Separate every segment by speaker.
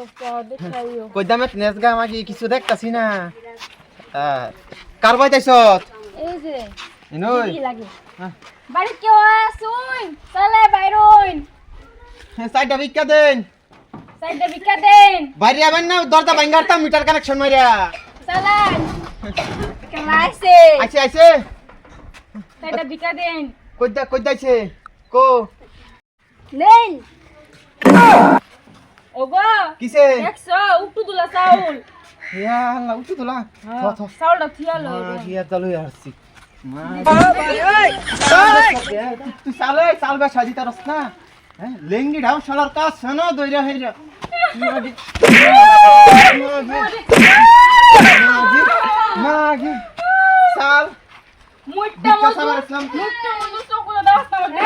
Speaker 1: কই দামে নেসগা মাগি কিছু দেখতাছি না কার বাইতাইছত
Speaker 2: এই যে
Speaker 1: ইনই
Speaker 2: কি লাগে বাড়ি কেউ আসুন চলে বাইরুন
Speaker 1: সাইডা ভিক্ষা দেন
Speaker 2: সাইডে ভিক্ষা দেন
Speaker 1: বাইরে আবেন না দরজা ভাঙারতাম মিটার কানেকশন মাইরা
Speaker 2: চলেন কেমন আছে
Speaker 1: আইছে আইছে
Speaker 2: সাইডে ভিক্ষা দেন
Speaker 1: কই দাইছে কো
Speaker 2: নেন ওগো
Speaker 1: কিসে
Speaker 2: দেখছো উঠু দুলা চাউল
Speaker 1: ইয়া আল্লাহ উঠু তোলা থ
Speaker 2: চাউলটা থিয়ালো
Speaker 1: ইয়া চালু আসছি তুই চাল বেসা দিতে রস না হ্যাঁ লেঙ্গি ঢাও শালার কাজ শোনো দইরা হইরা মাগি চাল
Speaker 2: মুট্টা মজু চকুলে দাও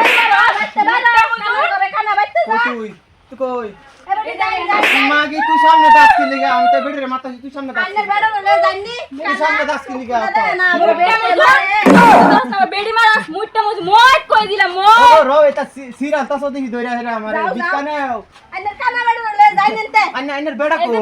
Speaker 2: খানা বাইতে
Speaker 1: তুই কই মাগি তুই সামনে দাস কি লিগা আমি তো বেড়ে মাথা তুই সামনে দাস তুই সামনে দাস কি লিগা
Speaker 2: বেড়ি মারাস মুট্টা মজু মত কই দিলাম
Speaker 1: ও রো এটা সিরাস তাসো দেখি দইরা হেরা আমারে বিকানে আন্নার বেড়া কো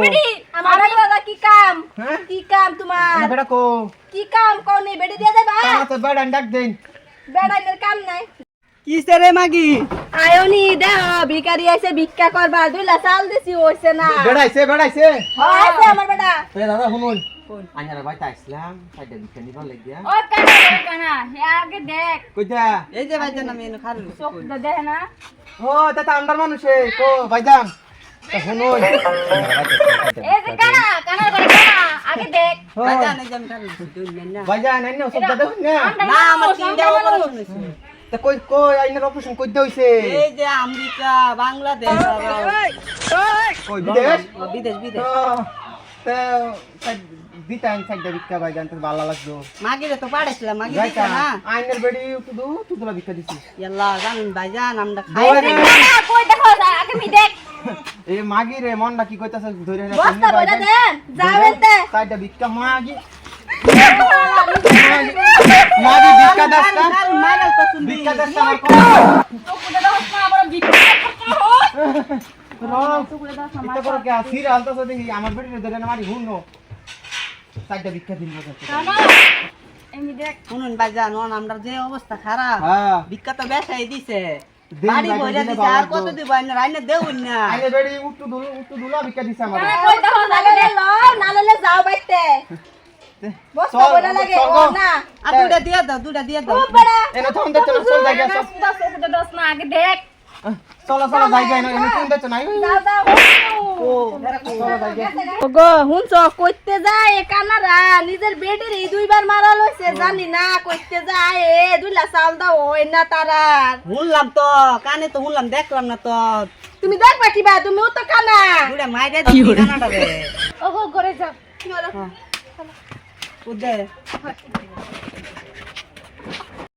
Speaker 1: হ্যাঁ
Speaker 2: কি কাম তোমার
Speaker 1: বেড়া কো
Speaker 2: কি কাম কোনে বেড়ি দিয়ে দেবা
Speaker 1: তা তো বেড়া ডাক দেন
Speaker 2: বেড়াইনের কাম নাই
Speaker 3: কিসে রে মাগি
Speaker 2: আয়োনি দেহ ভিখারি আইছে ভিক্ষা করবা দুইলা চাল দিছি হইছে না
Speaker 1: বেড়াইছে
Speaker 2: আছে আমার বেটা
Speaker 1: এ দাদা শুনুন আইনারা বাইতা আসলাম সাইডে বিকে নিবা লাগিয়া
Speaker 2: ও কানা হে আগে দেখ
Speaker 1: কইতা
Speaker 3: এই যে ভাইজান আমি এনে খারু
Speaker 2: চোখ দেখ না
Speaker 1: ও দাদা আন্ডার মানুষে কো ভাইজান তা শুনুন
Speaker 2: এই যে কানা করে কানা আগে দেখ
Speaker 3: ভাইজান এই যে আমি খারু দুই না
Speaker 1: ভাইজান আইনা সব দাদা না
Speaker 3: না আমার তিনটা অপারেশন হইছে
Speaker 1: তা কই আইনার অপারেশন কই দইছে
Speaker 3: এই যে আমেরিকা বাংলাদেশ
Speaker 1: কই বিদেশ
Speaker 3: বিদেশ বিদেশ
Speaker 1: তা দিতাম সাইডে বিক্কা ভাইজান তো ভালো লাগতো
Speaker 3: মাগিরে তো পাড়াইছিলাম মাগি দিতা
Speaker 1: যাইতা
Speaker 3: না
Speaker 1: আইনার বেড়ি তুদুলা বিক্কা দিছি
Speaker 3: ইয়াল্লা জানেন ভাইজান আমরা খাই
Speaker 2: এই যে কানা কই দেখো আগে মি দেখ
Speaker 1: এ মাগি রে মনটা কি কইতাছ ধরে না
Speaker 2: বস্তা বইলা দেন যাবেনতে
Speaker 1: সাইডে বিক্কা মাগি বিক্কা দাস্তা
Speaker 3: মাগাল তো শুনবি
Speaker 1: বিক্কা দাস্তা আমার
Speaker 2: চোখ দাও না আমার ভিক্ষা
Speaker 1: ইটা করো কে আসির আলতা সে দেখি আমার বেটি ধরে না মারি হুনো সাইডে বিক্কা দিন বসে
Speaker 2: কানা এমি দেখ
Speaker 3: শুনুন ভাইজান ওন আমরা যে অবস্থা খারাপ
Speaker 1: হ্যাঁ
Speaker 3: ভিক্ষা তো বেশাই দিছে
Speaker 1: দিন
Speaker 3: বাড়ি
Speaker 1: ভাই,
Speaker 3: বইরা
Speaker 1: দিনে
Speaker 3: দিছে আর
Speaker 1: বাবা
Speaker 3: কত
Speaker 1: তো।
Speaker 3: দিব আইনে দেউন না
Speaker 1: আইনে বেড়ি উট্টু দুলা বিক্কা দিছে আমার
Speaker 2: কানা কই দেখো নালে ল নালে যাও বাইতে বস্তা বইলা লাগে ও না
Speaker 3: আর দুটা দিয়ে দাও
Speaker 2: ও বড়া
Speaker 1: এনে থম দে চলো চল জায়গা সব
Speaker 2: চোখ দাও না আগে দেখ
Speaker 1: চলো জায়গা এনে থম দে চল নাই
Speaker 2: দাও
Speaker 1: ও চলো জায়গা
Speaker 2: ওগো হুনছ কইতে যায় এ কানারা নিজের বেডের এই দুইবার মারা লইছে জানি না কইতে যায় এ দুইলা চাল দাও ওই না তারা
Speaker 3: শুনলাম তো কানে তো শুনলাম দেখলাম না তো
Speaker 2: তুমি দেখবা কিবা তুমিও তো কানা
Speaker 3: দুটা মাইরে দিবি কানাটা রে
Speaker 2: ওগো ঘরে যাও
Speaker 3: উদে